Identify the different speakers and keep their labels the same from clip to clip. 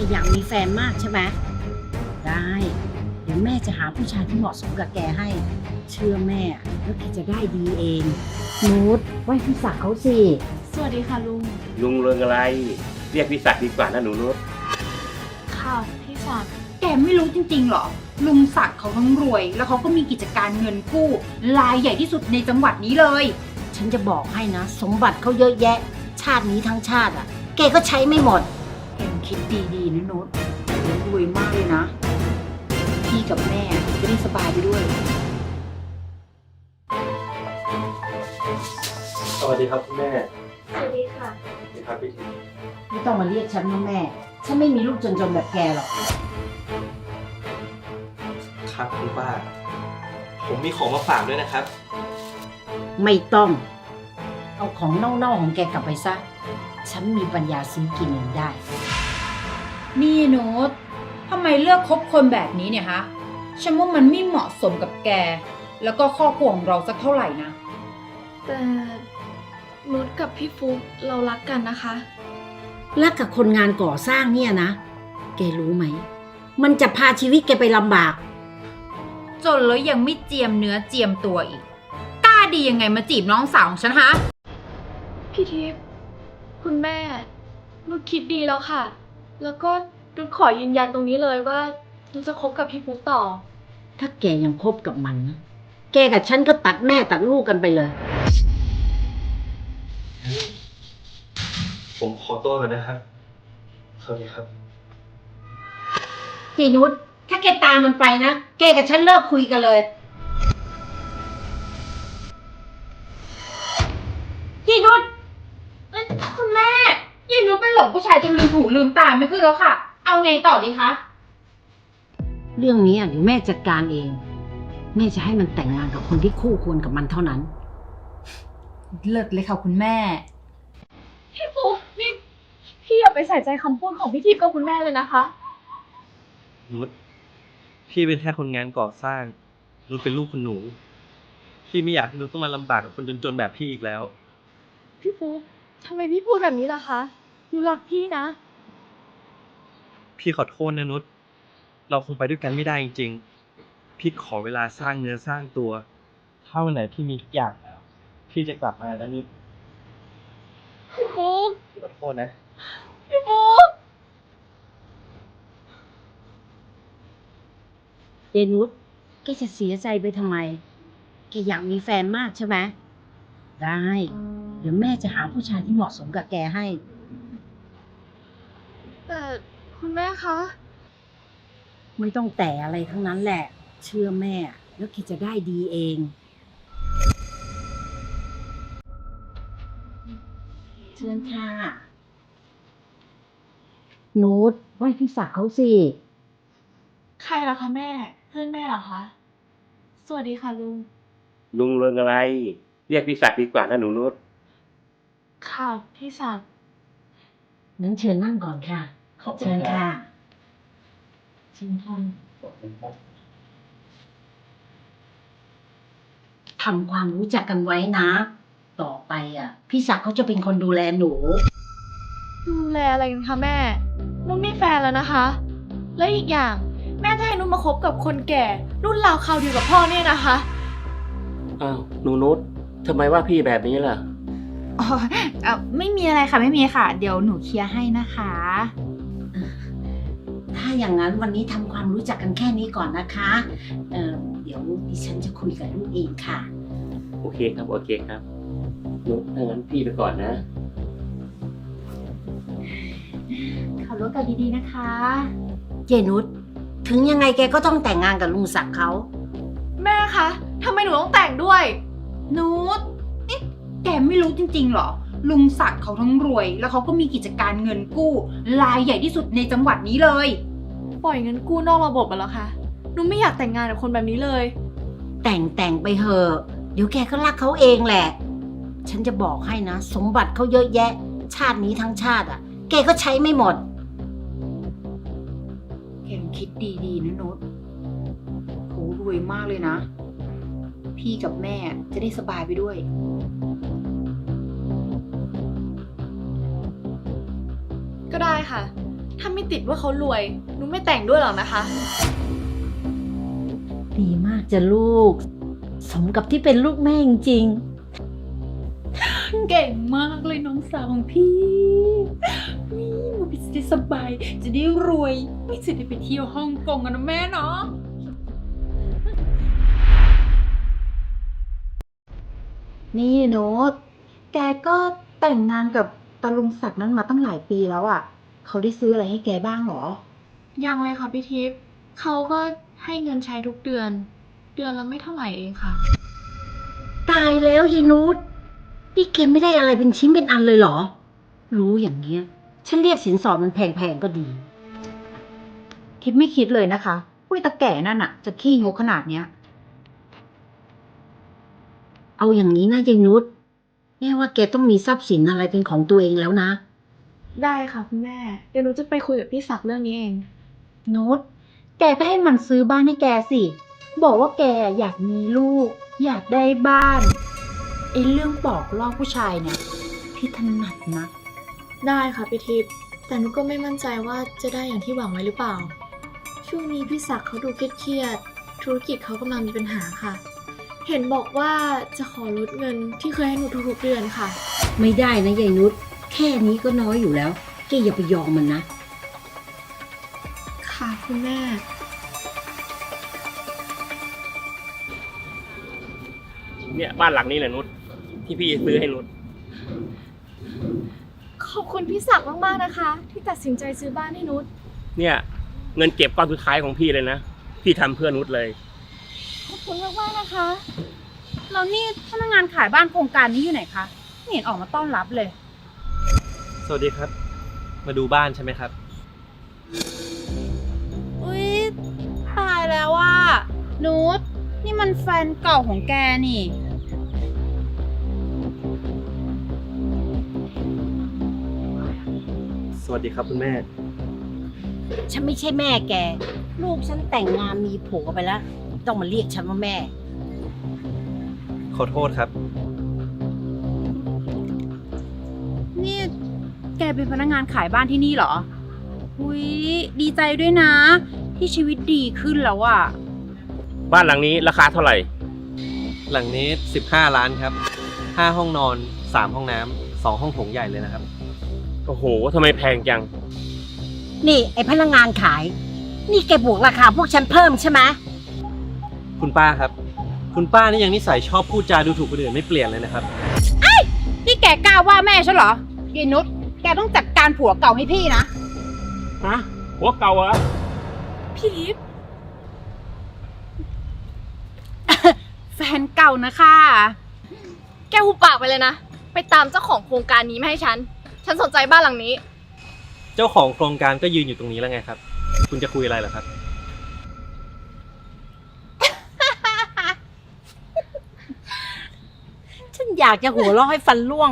Speaker 1: อยากมีแฟนมากใช่ไหมได้เดี๋ยวแม่จะหาผู้ชายที่เหมาะสมกับแกให้ เชื่อแม่แล้วแกจะได้ดีเองนูตไหว้พี่ศักดิ์เขาสิ
Speaker 2: สวัสดีค่ะลุง
Speaker 3: ลุงเรื่องอะไร เรียกพี่ศักดิ์ดีกว่านะหนูนุช
Speaker 2: ค่ะพี่ศักดิ์
Speaker 4: แกไม่รู้จริงๆหรอ ลุงศักดิ์เขาทั้งรวย แล้วเขาก็มีกิจการเงินกู้รายใหญ่ที่สุดในจังหวัดนี้เลย
Speaker 1: ฉันจะบอกให้นะ สมบัติเขาเยอะแยะ ชาตินี้ทั้งชาติอ่ะแกก็ใช้ไม่หมด
Speaker 4: แกคิดดีๆนะนุชเดี๋ยวรวยมากเลยนะ พี่กับแม่จะได้สบายไปด้วย
Speaker 5: สวัสดีครับคุณแม่
Speaker 2: สวัสดีค่ะ
Speaker 5: สวัสดีครับพี่ทิพย์
Speaker 1: ไม่ต้องมาเรียกฉันว่าแม่ ฉันไม่มีลูกจนๆแบบแกหรอก
Speaker 5: ครับคุณป้า ผมมีของมาฝากด้วยนะครับ
Speaker 1: ไม่ต้อง เอาของเน่าๆของแกกลับไปซะ ฉันมีปัญญาซื้อกินเองได้
Speaker 4: นี่นุชทำไมเลือกคบคนแบบนี้เนี่ยฮะ ฉันว่ามันไม่เหมาะสมกับแก แล้วก็ครอบครัวของเราสักเท่าไหร่นะ
Speaker 2: แต่นุชกับพี่ฟุ๊กเรารักกันนะคะ
Speaker 1: รักกับคนงานก่อสร้างเนี่ยนะ แกรู้ไหม มันจะพาชีวิตแกไปลำบาก
Speaker 4: จนแล้วยังไม่เจียมเนื้อเจียมตัวอีก กล้าดียังไงมาจีบน้องสาวของฉันฮะ
Speaker 2: พี่ทิพย์คุณแม่นุชคิดดีแล้วค่ะ แล้วก็นุชขอยืนยันตรงนี้เลยว่านุชจะคบกับพี่ฟุ๊กต่อ
Speaker 1: ถ้าแกยังคบกับมันนะ แกกับฉันก็ตัดแม่ตัดลูกกันไปเลย
Speaker 5: ผมขอตัวก่อนนะครับ สวัสดีครับ
Speaker 1: จีนุชถ้าแกตามมันไปนะ แกกับฉันเลิกคุยกันเลย จีนุช
Speaker 4: คุณแม่ยินนุชเป็นหลงผู้ชายจนลืมหูลืมตาไม่ขึ้นแล้วค่ะ เอาไงต่อดีคะ
Speaker 1: เรื่องนี้เดี๋ยวแม่จัดการเอง แม่จะให้มันแต่งงานกับคนที่คู่ควรกับมันเท่านั้น
Speaker 4: เลิกเลยค่ะคุณแม่
Speaker 2: พี่ฟุ๊กนี่พี่อย่าไปใส่ใจคำพูดของพี่ทิพย์กับคุณแม่เลยนะคะ
Speaker 5: นุชพี่เป็นแค่คนงานก่อสร้าง นุชเป็นลูกคุณหนู พี่ไม่อยากให้นุชต้องมาลำบากกับคนจนๆแบบพี่อีกแล้ว
Speaker 2: พี่ฟุ๊กทำไมพี่พูดแบบนี้ล่ะคะนุชรักพี่นะ
Speaker 5: พี่ขอโทษนะนุชเราคงไปด้วยกันไม่ได้จริงๆ พี่ขอเวลาสร้างเนื้อสร้างตัว ถ้าวันไหนพี่มีทุกอย่างแล้ว พี่จะกลับมาแล้วนุช
Speaker 2: พี่ฟุ๊ก
Speaker 5: พี่ขอโทษนะ
Speaker 2: พี่ฟุ๊ก
Speaker 1: เจนุชแกจะเสียใจไปทำไม แกอยากมีแฟนมากใช่ไหมได้ เดี๋ยวแม่จะหาผู้ชายที่เหมาะสมกับแกให้
Speaker 2: แต่คุณแม่คะ
Speaker 1: ไม่ต้องแต่อะไรทั้งนั้นแหละ เชื่อแม่ แล้วแกจะได้ดีเอง เชิญค่ะนูตไหว้พี่ศักดิ์เขาสิ
Speaker 2: ใครล่ะคะแม่ เพื่อนแม่เหรอคะ สวัสดีค่ะลุง
Speaker 3: ลุงเรื่องอะไร เรียกพี่ศักดิ์ดีกว่านะหนูนุช
Speaker 2: ค่ะพี่ศักดิ์
Speaker 1: งั้นเชิญนั่งก่อนค่ะ
Speaker 5: ขอบคุณ
Speaker 1: เชิญ
Speaker 5: ครับ
Speaker 1: ค่ะเชิญค่ะทำความรู้จักกันไว้นะ ต่อไปพี่ศักดิ์เขาจะเป็นคนดูแลหนู
Speaker 2: ดูแลอะไรกันคะแม่ นุ่นมีแฟนแล้วนะคะ และอีกอย่างแม่จะให้นุ่นมาคบกับคนแก่ รุ่นราวคราวเดียวกับพ่อเนี่ยนะคะ
Speaker 3: อ้าวหนูนุชทำไมว่าพี่แบบนี้ล่ะ
Speaker 4: อ๋อไม่มีอะไรค่ะไม่มีค่ะ เดี๋ยวหนูเคลียร์ให้นะคะ
Speaker 1: ถ้าอย่างนั้นวันนี้ทำความรู้จักกันแค่นี้ก่อนนะคะเดี๋ยวดิฉันจะคุยกับลูกเองค่ะ
Speaker 3: โอเคครับ โอเคครับนุชถ้างั้นพี่ไปก่อนนะ
Speaker 4: ขับรถกันดีๆนะคะ
Speaker 1: เจนุชถึงยังไงแกก็ต้องแต่งงานกับลุงศักดิ์เขา
Speaker 2: แม่คะทำไมหนูต้องแต่งด้วย
Speaker 4: นุชนี่แกไม่รู้จริงๆหรอ ลุงศักดิ์เขาทั้งรวย แล้วเขาก็มีกิจการเงินกู้รายใหญ่ที่สุดในจังหวัดนี้เลย
Speaker 2: ปล่อยเงินกู้นอกระบบอะเหรอคะหนูไม่อยากแต่งงานกับคนแบบนี้เลย
Speaker 1: แต่งไปเถอะเดี๋ยวแกก็รักเขาเองแหละ ฉันจะบอกให้นะ สมบัติเขาเยอะแยะ ชาตินี้ทั้งชาติแกก็ใช้ไม่หมด
Speaker 4: แกคิดดีๆนะนุชโหรวยมากเลยนะ พี่กับแม่จะได้สบายไปด้วย
Speaker 2: ก็ได้ค่ะถ้าไม่ติดว่าเขารวยนุชไม่แต่งด้วยหรอกนะคะ
Speaker 1: ดีมากจ้ะลูก สมกับที่เป็นลูกแม่จริง
Speaker 4: เก่งมากเลยน้องสาวของพี่นี่มาพี่จะได้สบาย จะได้รวยไม่จะได้ไปเที่ยวฮ่องกงกันนะแม่เนาะ
Speaker 6: นี่โน้ตแกก็แต่งงานกับตาลุงศักดิ์นั้นมาตั้งหลายปีแล้วอ่ะ เขาได้ซื้ออะไรให้แกบ้างหรอ
Speaker 2: ยังเลยค่ะพี่ทิพย์เขาก็ให้เงินใช้ทุกเดือน เดือนละไม่เท่าไหร่เองค่ะ
Speaker 1: ๆ ตายแล้วยายนุชนี่แกไม่ได้อะไรเป็นชิ้นเป็นอันเลยเหรอ รู้อย่างเงี้ย ฉันเรียกสินสอดมันแพงๆก็ดี
Speaker 6: ทิพย์ไม่คิดเลยนะคะว่าตาแก่นั่นอ่ะ จะขี้งกขนาดเนี้ย
Speaker 1: เอาอย่างนี้นะยายนุชแม่ว่าแกต้องมีทรัพย์สินอะไรเป็นของตัวเองแล้วนะ
Speaker 2: ได้ค่ะคุณแม่ เดี๋ยวหนูจะไปคุยกับพี่ศักดิ์เรื่องนี้เอง
Speaker 6: โน้ตแกก็ให้มันซื้อบ้านให้แกสิ บอกว่าแกอยากมีลูก อยากได้บ้านไอ้เรื่องปอกลอกผู้ชายเนี่ยพี่ถนัดนะ
Speaker 2: ได้ค่ะพี่ทิพย์แต่หนูก็ไม่มั่นใจว่าจะได้อย่างที่หวังไว้หรือเปล่า ช่วงนี้พี่ศักดิ์เขาดูเครียดๆธุรกิจเขากำลังมีปัญหาค่ะ เห็นบอกว่าจะขอลดเงินที่เคยให้หนูทุกๆเดือนค่ะ
Speaker 1: ไม่ได้นะยายนุชแค่นี้ก็น้อยอยู่แล้วแกอย่าไปยอมมันนะ
Speaker 2: ค่ะคุณแม่
Speaker 3: เนี่ยบ้านหลังนี้แหละนุชที่พี่ซื้อให้นุช
Speaker 2: ขอบคุณพี่ศักดิ์มากๆนะคะ ที่ตัดสินใจซื้อบ้านให้นุช
Speaker 3: เนี่ยเงินเก็บก้อนสุดท้ายของพี่เลยนะพี่ทำเพื่อนุชเลย
Speaker 2: ขอบคุณมากๆนะคะ
Speaker 4: แล้วนี่พนักงานขายบ้านโครงการนี้อยู่ไหนคะไม่เห็นออกมาต้อนรับเลย
Speaker 5: สวัสดีครับ มาดูบ้านใช่ไหมครับ
Speaker 4: อุ๊ยตายแล้วว่านุชนี่มันแฟนเก่าของแกนี่
Speaker 5: สวัสดีครับคุณแม่
Speaker 1: ฉันไม่ใช่แม่แก ลูกฉันแต่งงานมีผัวไปแล้ว ต้องมาเรียกฉันว่าแม่
Speaker 5: ขอโทษครับ
Speaker 4: นี่แกเป็นพนักงานขายบ้านที่นี่เหรอ อุ๊ยดีใจด้วยนะ ที่ชีวิตดีขึ้นแล้วอะ
Speaker 3: บ้านหลังนี้ราคาเท่าไหร่
Speaker 5: หลังนี้15 ล้านครับ5 ห้องนอน3 ห้องน้ำ2 ห้องโถงใหญ่เลยนะครับ
Speaker 3: โอ้โหทำไมแพงจัง
Speaker 1: นี่ไอพนักงานขาย นี่แกบวกราคาพวกฉันเพิ่มใช่ไหม
Speaker 5: คุณป้าครับ คุณป้านี่ยังนิสัยชอบพูดจาดูถูกคนอื่นไม่เปลี่ยนเลยนะครับ
Speaker 4: นี่แกกล้าว่าแม่ฉันเหรอเยนุชแกต้องจัดการผัวเก่าให้พี่นะ
Speaker 3: ฮะหัวเก่าเหรอ
Speaker 2: พี่ทิพย์
Speaker 4: แฟนเก่านะคะ
Speaker 2: แกหุบปากไปเลยนะ ไปตามเจ้าของโครงการนี้มาให้ฉัน ฉันสนใจบ้านหลังนี้
Speaker 5: เจ้าของโครงการก็ยืนอยู่ตรงนี้แล้วไงครับ คุณจะคุยอะไรเหรอครับ
Speaker 1: ฉันอยากจะหัวเราะให้ฟันร่วง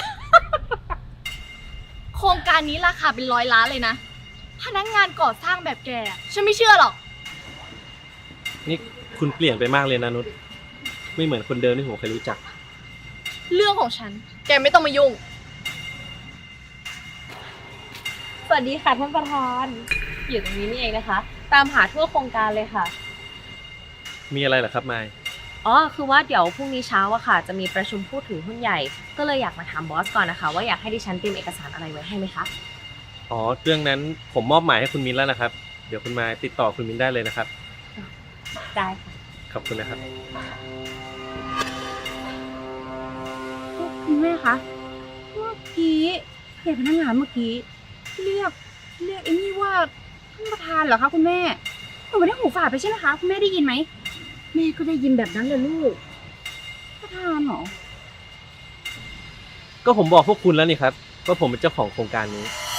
Speaker 2: โครงการนี้ราคาเป็น100 ล้านเลยนะ พนักงานก่อสร้างแบบแกอะฉันไม่เชื่อหรอก
Speaker 5: นี่คุณเปลี่ยนไปมากเลยนะนุชไม่เหมือนคนเดิมที่ผมเคยรู้จัก
Speaker 2: เรื่องของฉัน แกไม่ต้องมายุ่ง
Speaker 7: สวัสดีค่ะท่านประธาน อยู่ตรงนี้นี่เองนะคะ ตามหาทั่วโครงการเลยค่ะ
Speaker 5: มีอะไรเหรอครับไมค์
Speaker 7: อ๋อ คือว่าเดี๋ยวพรุ่งนี้เช้าอะค่ะ จะมีประชุมผู้ถือหุ้นใหญ่ ก็เลยอยากมาถามบอสก่อนนะคะ ว่าอยากให้ดิฉันเตรียมเอกสารอะไรไว้ให้ไหมคะ
Speaker 5: อ๋อ เรื่องนั้นผมมอบหมายให้คุณมิ้นแล้วนะครับ เดี๋ยวคุณไมค์ติดต่อคุณมิ้นได้เลยนะครับ
Speaker 7: ได้ค่ะ
Speaker 5: ขอบคุณนะครับ
Speaker 4: คุณแม่คะ เมื่อกี้เด็กพนักงานเมื่อกี้ เรียกไอ้นี่ว่าท่านประธานเหรอคะคุณแม่หนูไม่ได้หูฝาดไปใช่ไหมคะคุณแม่ได้ยินไหม
Speaker 1: แม่ก็ได้ยินแบบนั้นเลยลูก
Speaker 4: ประธานเหรอ
Speaker 5: ก็ผมบอกพวกคุณแล้วนี่ครับว่าผมเป็นเจ้าของโครงการนี้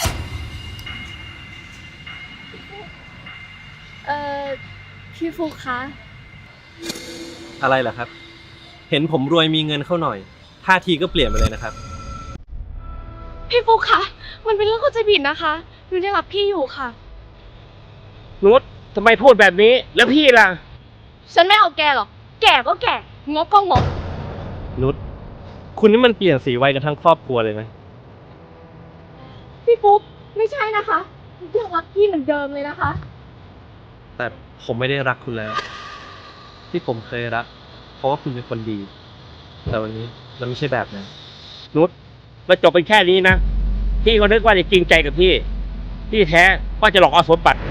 Speaker 2: พี่ฟุกคะ
Speaker 5: อะไรเหรอครับ เห็นผมรวยมีเงินเข้าหน่อยท่าทีก็เปลี่ยนไปเลยนะครับ
Speaker 2: พี่ฟุกคะ มันเป็นเรื่องเข้าใจผิดนะคะหนูยังรักพี่อยู่ค่ะ
Speaker 3: นุชทำไมพูดแบบนี้ แล้วพี่ล่ะ
Speaker 2: ฉันไม่เอาแกหรอก แก่ก็แก่ งบก็งบ
Speaker 5: นุชคุณนี่มันเปลี่ยนสีไวกันทั้งครอบครัวเลยนะ
Speaker 2: พี่ฟุกไม่ใช่นะคะยังรักพี่เหมือนเดิมเลยนะคะ
Speaker 5: แต่ผมไม่ได้รักคุณแล้ว ที่ผมเคยรัก เพราะว่าคุณเป็นคนดี แต่วันนี้มันไม่ใช่แบบนั้น
Speaker 3: นุชมาจบเป็นแค่นี้นะ พี่ก็นึกว่าจะจริงใจกับพี่ ที่แท้ก็จะหลอกเอาสมบัติ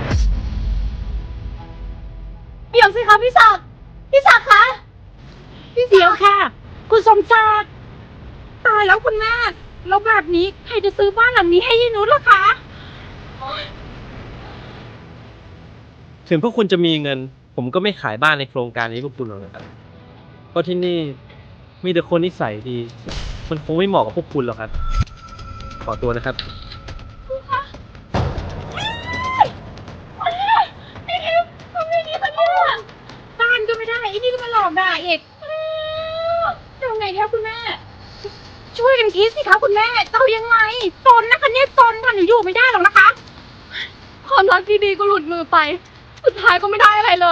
Speaker 2: เดี๋ยวสิคะพี่ศักดิ์พี่ศักดิ์คะ
Speaker 6: เดี๋ยวค่ะ คุณสมศักดิ์ตายแล้วคุณแม่แล้วแบบนี้ใครจะซื้อบ้านหลังนี้ให้ยายนุชล่ะคะ
Speaker 5: ถึงพวกคุณจะมีเงิน ผมก็ไม่ขายบ้านในโครงการนี้พวกคุณหรอกนะครับ เพราะที่นี่มีแต่คนนิสัยดี มันคงไม่เหมาะกับพวกคุณหรอกครับ ขอตัวนะครับ
Speaker 6: บ้านก็ไม่ได้ไอ้นี่ก็มาหลอกด่าอีกทำไงคะคุณแม่ ช่วยกันคิดสิคะคุณแม่จะเอายังไงจนนะคะเนี่ยจนค่ะหนูอยู่ไม่ได้หรอกนะคะ
Speaker 2: ความรักที่ดีก็หลุดมือไป สุดท้ายก็ไม่ได้อะไรเลย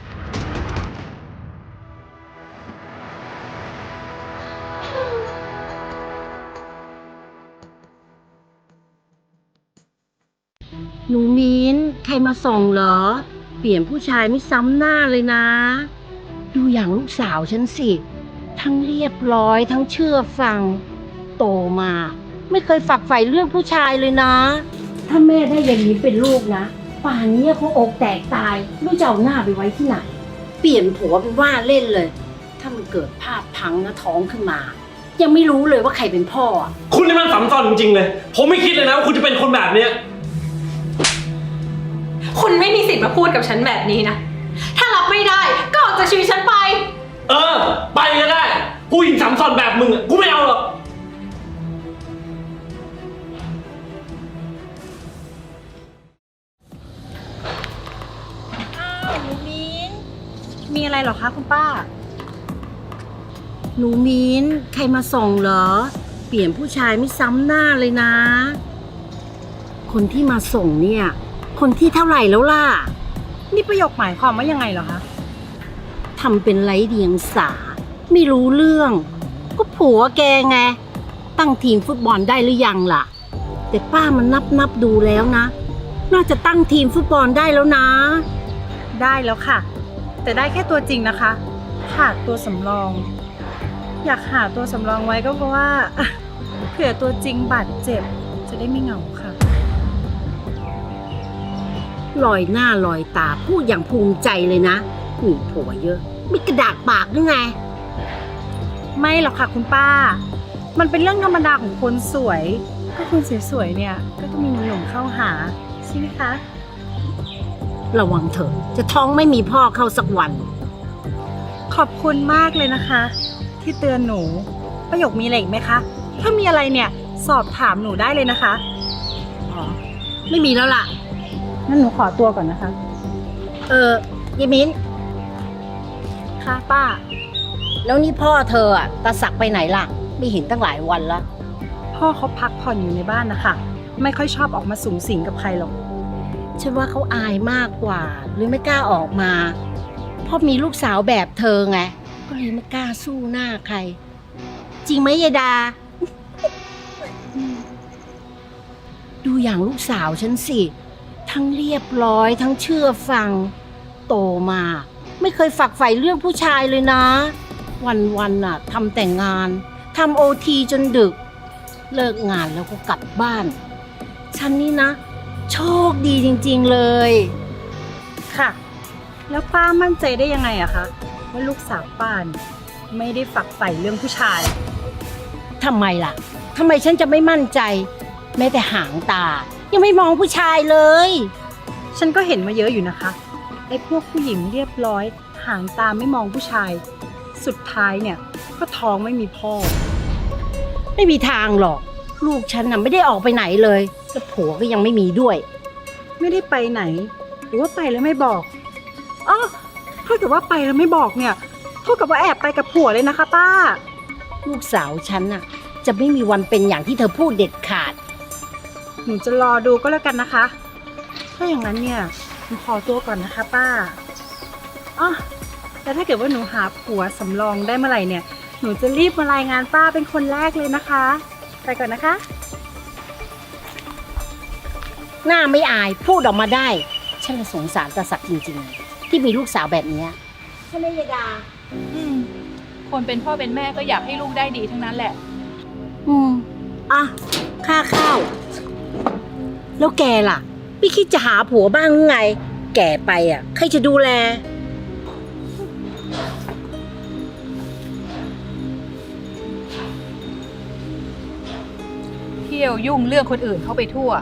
Speaker 1: หนูมิ้นใครมาส่งเหรอ เปลี่ยนผู้ชายไม่ซ้ำหน้าเลยนะ ดูอย่างลูกสาวฉันสิ ทั้งเรียบร้อยทั้งเชื่อฟัง โตมา ไม่เคยฝักใฝ่เรื่องผู้ชายเลยนะ ถ้าแม่ได้อย่างนี้เป็นลูกนะ ป่านนี้คงอกแตกตายไม่รู้จะเอาหน้าไปไว้ที่ไหน เปลี่ยนผัวเป็นว่าเล่นเลย ถ้ามันเกิดภาพพังนะท้องขึ้นมา ยังไม่รู้เลยว่าใครเป็นพ่ออะ
Speaker 5: คุณนี่มันสำคัญจริงๆเลย ผมไม่คิดเลยนะว่าคุณจะเป็นคนแบบเนี้ย
Speaker 4: คุณไม่มีสิทธิ์มาพูดกับฉันแบบนี้นะ ถ้ารับไม่ได้ก็ออกจากชีวิตฉันไป
Speaker 5: เออ ไปก็ได้ ผู้หญิงสำคัญแบบมึงอะกูไม่เอาหรอก
Speaker 4: หนูมิ้นมีอะไรเหรอคะคุณป้า
Speaker 1: หนูมิ้นใครมาส่งเหรอ เปลี่ยนผู้ชายไม่ซ้ำหน้าเลยนะ คนที่มาส่งเนี่ย คนที่เท่าไหร่แล้วล่ะ
Speaker 4: นี่ประโยคหมายความว่ายังไงเหรอคะ
Speaker 1: ทำเป็นไร้เดียงสา ไม่รู้เรื่อง ก็ผัวแกไง ตั้งทีมฟุตบอลได้หรือยังล่ะ แต่ป้ามันนับดูแล้วนะ น่าจะตั้งทีมฟุตบอลได้แล้วนะ
Speaker 4: ได้แล้วค่ะ แต่ได้แค่ตัวจริงนะคะขาดตัวสำรอง อยากหาตัวสำรองไว้ก็เพราะว่า เผื่อตัวจริงบาดเจ็บจะได้ไม่เหงาค่ะ
Speaker 1: ลอยหน้าลอยตาพูดอย่างภูมิใจเลยนะมีผัวเยอะมีกระดากปากหรือไง
Speaker 4: ไม่หรอกค่ะคุณป้า มันเป็นเรื่องธรรมดาของคนสวย ก็คนสวยๆเนี่ย ก็ต้องมีหนุ่มๆเข้าหาใช่ไหมคะ
Speaker 1: ระวังเถอะจะท้องไม่มีพ่อเข้าสักวัน
Speaker 4: ขอบคุณมากเลยนะคะ ที่เตือนหนูประโยคมีอะไรอีกไหมคะ ถ้ามีอะไรเนี่ยสอบถามหนูได้เลยนะคะ
Speaker 1: อ๋อ ไม่มีแล้วล่ะ
Speaker 4: งั้นหนูขอตัวก่อนนะคะ
Speaker 1: ยายมิ้น
Speaker 4: ค่ะป้า
Speaker 1: แล้วนี่พ่อเธอตาศักดิ์ไปไหนล่ะ ไม่เห็นตั้งหลายวันแล้ว
Speaker 4: พ่อเขาพักผ่อนอยู่ในบ้านนะคะ ไม่ค่อยชอบออกมาสูงสิงกับใครหรอก
Speaker 1: ฉันว่าเขาอายมากกว่าหรือไม่กล้าออกมาเพราะมีลูกสาวแบบเธอไง ก็เลยไม่กล้าสู้หน้าใคร จริงไหมยายดา ดูอย่างลูกสาวฉันสิ ทั้งเรียบร้อยทั้งเชื่อฟัง โตมา ไม่เคยฝักใฝ่เรื่องผู้ชายเลยนะ วันๆน่ะทำแต่งงานทำOTจนดึก เลิกงานแล้วก็กลับบ้าน ฉันนี่นะ โชคดีจริงๆเลย
Speaker 4: ค่ะ แล้วป้ามั่นใจได้ยังไงอะคะว่าลูกสาวป้าเนี่ยไม่ได้ฝักใฝ่เรื่องผู้ชาย
Speaker 1: ทำไมล่ะ ทำไมฉันจะไม่มั่นใจ แม้แต่หางตา ยังไม่มองผู้ชายเลย
Speaker 4: ฉันก็เห็นมาเยอะอยู่นะคะไอ้พวกผู้หญิงเรียบร้อยหางตาไม่มองผู้ชาย สุดท้ายเนี่ยก็ท้องไม่มีพ่อ
Speaker 1: ไม่มีทางหรอก ลูกฉันน่ะไม่ได้ออกไปไหนเลยแล้วผัวก็ยังไม่มีด้วย
Speaker 4: ไม่ได้ไปไหน หรือว่าไปแล้วไม่บอกอ๋อถ้าเกิดว่าไปแล้วไม่บอกเนี่ยเท่ากับว่าแอบไปกับผัวเลยนะคะป้า
Speaker 1: ลูกสาวฉันน่ะ จะไม่มีวันเป็นอย่างที่เธอพูดเด็ดขาด
Speaker 4: หนูจะรอดูก็แล้วกันนะคะ ถ้าอย่างนั้นเนี่ยหนูขอตัวก่อนนะคะป้าอ๋อแต่ถ้าเกิดว่าหนูหาผัวสำรองได้เมื่อไหร่เนี่ย หนูจะรีบมารายงานป้าเป็นคนแรกเลยนะคะ ไปก่อนนะคะ
Speaker 1: รหน้าไม่อายพูดออกมาได้ ฉันเลยสงสารตาศักดิ์จริงๆเลยที่มีลูกสาวแบบเนี้ยใช่ไหมยายดา
Speaker 4: คนเป็นพ่อเป็นแม่ก็อยากให้ลูกได้ดีทั้งนั้นแหละ
Speaker 1: อ่ะค่าข้าว แล้วแกล่ะไม่คิดจะหาผัวบ้างหรือไง แก่ไปอ่ะใครจะดูแล
Speaker 4: เที่ยวยุ่งเรื่องคนอื่นเข้าไปทั่ว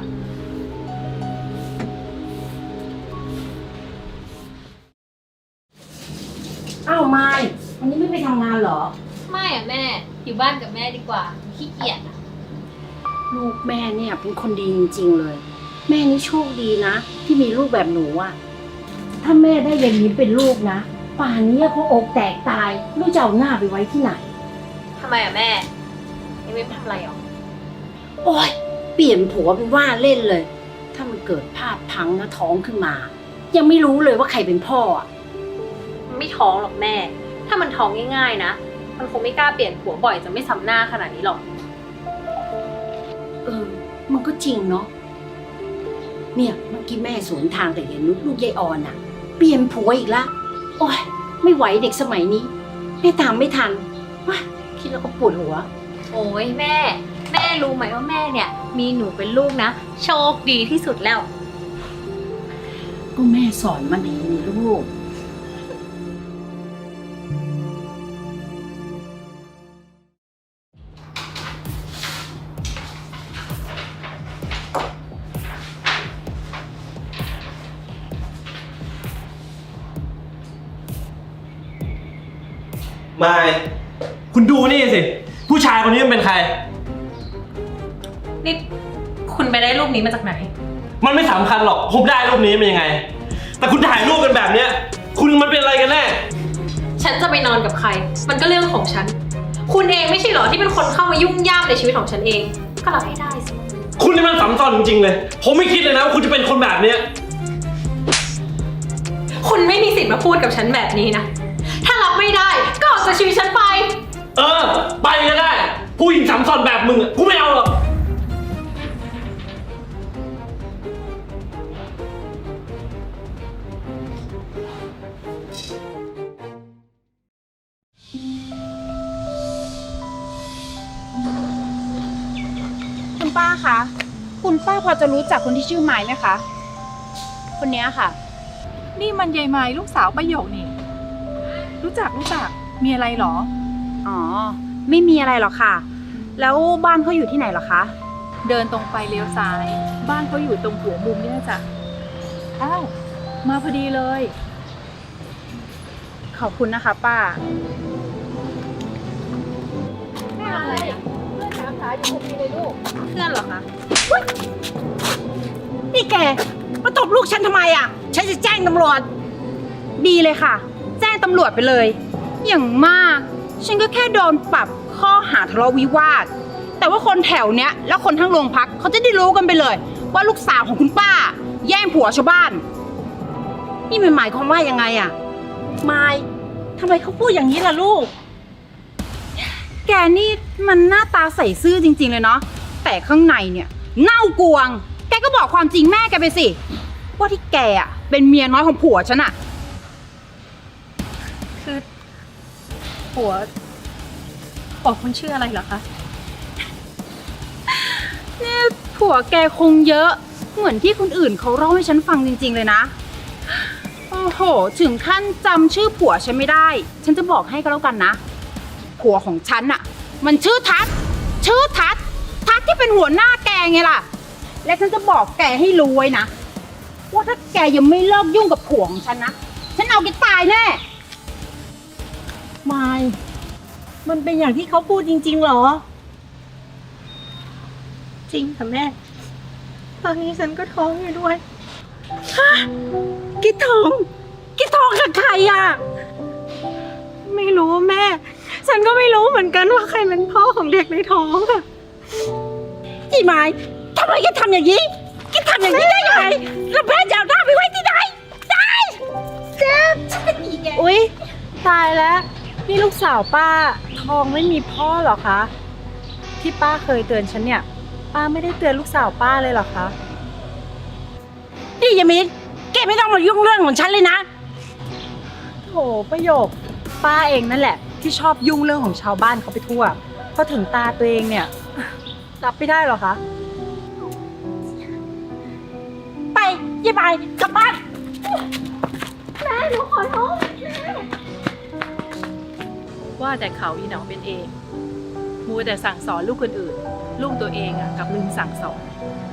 Speaker 1: อ้าวไม่วันนี้ไม่ไปทำงานเหรอ
Speaker 7: ไม่อะแม่ อยู่บ้านกับแม่ดีกว่าขี้เกียจอะ
Speaker 1: ลูกแม่เนี่ยเป็นคนดีจริงๆเลย แม่นี่โชคดีนะ ที่มีลูกแบบหนูอ่ะ ถ้าแม่ได้ยายมิ้นเป็นลูกนะป่านนี้เขาอกแตกตายไม่รู้จะเอาหน้าไปไว้ที่ไหน
Speaker 7: ทำไมอะแม่ยังไม่ทำอะไรหรอ
Speaker 1: โอ๊ยเปลี่ยนผัวเป็นว่าเล่นเลย ถ้ามันเกิดพลาดพลั้งนะท้องขึ้นมา ยังไม่รู้เลยว่าใครเป็นพ่ออ่ะ
Speaker 7: มันไม่ท้องหรอกแม่ ถ้ามันท้องง่ายๆนะ มันคงไม่กล้าเปลี่ยนผัวบ่อยจะไม่ซ้ำหน้าขนาดนี้หรอก
Speaker 1: มันก็จริงเนาะ เนี่ยเมื่อกี้แม่สวนทางแต่ยายนุชลูกยายออนอะเปลี่ยนผัวอีกละ โอ๊ยไม่ไหวเด็กสมัยนี้แม่ตามไม่ทันว้าคิดแล้วก็ปวดหัว
Speaker 7: โอ้ยแม่ แม่รู้ไหมว่าแม่เนี่ย มีหนูเป็นลูกนะ โชคดีที่สุดแล้ว
Speaker 1: ก็แม่สอนมาดีนี่ลูก
Speaker 5: ไม่ คุณดูนี่สิ ผู้ชายคนนี้มันเป็นใคร
Speaker 7: นี่คุณไปได้รูปนี้มาจากไหน
Speaker 5: มันไม่สำคัญหรอก ผมได้รูปนี้มันยังไง แต่คุณถ่ายรูปกันแบบเนี้ย คุณมันเป็นอะไรกันแน่
Speaker 7: ฉันจะไปนอนกับใคร มันก็เรื่องของฉัน คุณเองไม่ใช่เหรอที่เป็นคนเข้ามายุ่งย่ามในชีวิตของฉันเอง ก็รับให้ได้สิ
Speaker 5: คุณนี่มันสำคัญจริงๆเลย ผมไม่คิดเลยนะว่าคุณจะเป็นคนแบบเนี้ย
Speaker 7: คุณไม่มีสิทธิ์มาพูดกับฉันแบบนี้นะ ถ้ารับไม่ได้ก็ออกจากชีวิตฉันไป
Speaker 5: ไปก็ได้ ผู้หญิงสำคัญแบบมึงอะกูไม่เอาหรอก
Speaker 6: คุณป้าคะ คุณป้าพอจะรู้จักคนที่ชื่อไม้ไหมคะ คนเนี้ยค่ะ
Speaker 4: นี่มันยายไม้ลูกสาวประโยคนี่ รู้จักมีอะไรหรอ
Speaker 6: อ๋อ ไม่มีอะไรหรอกค่ะ แล้วบ้านเขาอยู่ที่ไหนหรอคะ
Speaker 4: เดินตรงไปเลี้ยวซ้าย บ้านเขาอยู่ตรงหัวมุมนี่นะจ๊ะอ้าวมาพอดีเลย
Speaker 6: ขอบคุณนะคะ ป้า
Speaker 7: เพื่อนเหรอคะ
Speaker 1: นี่แกมาตบลูกฉันทำไมอะฉันจะแจ้งตำรวจ
Speaker 6: ดีเลยค่ะ แจ้งตำรวจไปเลย อย่างมาก ฉันก็แค่โดนปรับข้อหาทะเลาะวิวาท แต่ว่าคนแถวเนี้ยแล้วคนทั้งโรงพักเขาจะได้รู้กันไปเลย ว่าลูกสาวของคุณป้า แย่งผัวชาวบ้าน
Speaker 1: นี่มันหมายความว่ายังไงอะมายทำไมเขาพูดอย่างนี้ล่ะลูก
Speaker 6: แกนี่มันหน้าตาใส่ซื่อจริงๆเลยเนาะ แต่ข้างในเนี่ยเน่ากวง แกก็บอกความจริงแม่แกไปสิ ว่าที่แกอ่ะเป็นเมียน้อยของผัวฉันอ่ะ
Speaker 7: คือผัวคุณชื่ออะไรเหรอคะ
Speaker 6: เนี่ยผัวแกคงเยอะ เหมือนที่คนอื่นเขาเล่าให้ฉันฟังจริงๆเลยนะ โอ้โห ถึงขั้นจำชื่อผัวฉันไม่ได้ ฉันจะบอกให้ก็แล้วกันนะ ผัวของฉันอะมันชื่อทัศน์ทัศน์ที่เป็นหัวหน้าแกไงล่ะ และฉันจะบอกแกให้รู้ไว้นะ ว่าถ้าแกยังไม่เลิกยุ่งกับผัวของฉันนะ ฉันเอาแกตายแน่
Speaker 1: มายมันเป็นอย่างที่เขาพูดจริงๆเหรอ
Speaker 2: จริงค่ะแม่ ตอนนี้ฉันก็ท้องอยู่ด้วย
Speaker 1: กิดทองกับใครอ่ะ
Speaker 2: ไม่รู้แม่ ฉันก็ไม่รู้เหมือนกันว่าใครเป็นพ่อของเด็กในท้องอะ
Speaker 1: ยี่ไม้ทำไมแกทำอย่างนี้แกทำอย่างนี้ได้ยังไงแล้วแม่จะเอาหน้าไปไว้ที่ไหนได้เจ็บฉันเป็นอีแก
Speaker 2: อุ๊ย ตายแล้ว นี่ลูกสาวป้าท้องไม่มีพ่อเหรอคะ ที่ป้าเคยเตือนฉันเนี่ย ป้าไม่ได้เตือนลูกสาวป้าเลยเหรอคะ
Speaker 1: นี่ยายมิ้นแกไม่ต้องมายุ่งเรื่องของฉันเลยนะ
Speaker 4: โถประโยค ป้าเองนั่นแหละ ที่ชอบยุ่งเรื่องของชาวบ้านเขาไปทั่วพอถึงตาตัวเองเนี่ย รับไม่ได้หรอคะ
Speaker 1: ไปยายบายกลับบ้าน
Speaker 4: ว่าแต่เขาอีหนอเป็นเองมัวแต่สั่งสอนลูกคนอื่น ลูกตัวเองอะกลับลืมสั่งสอน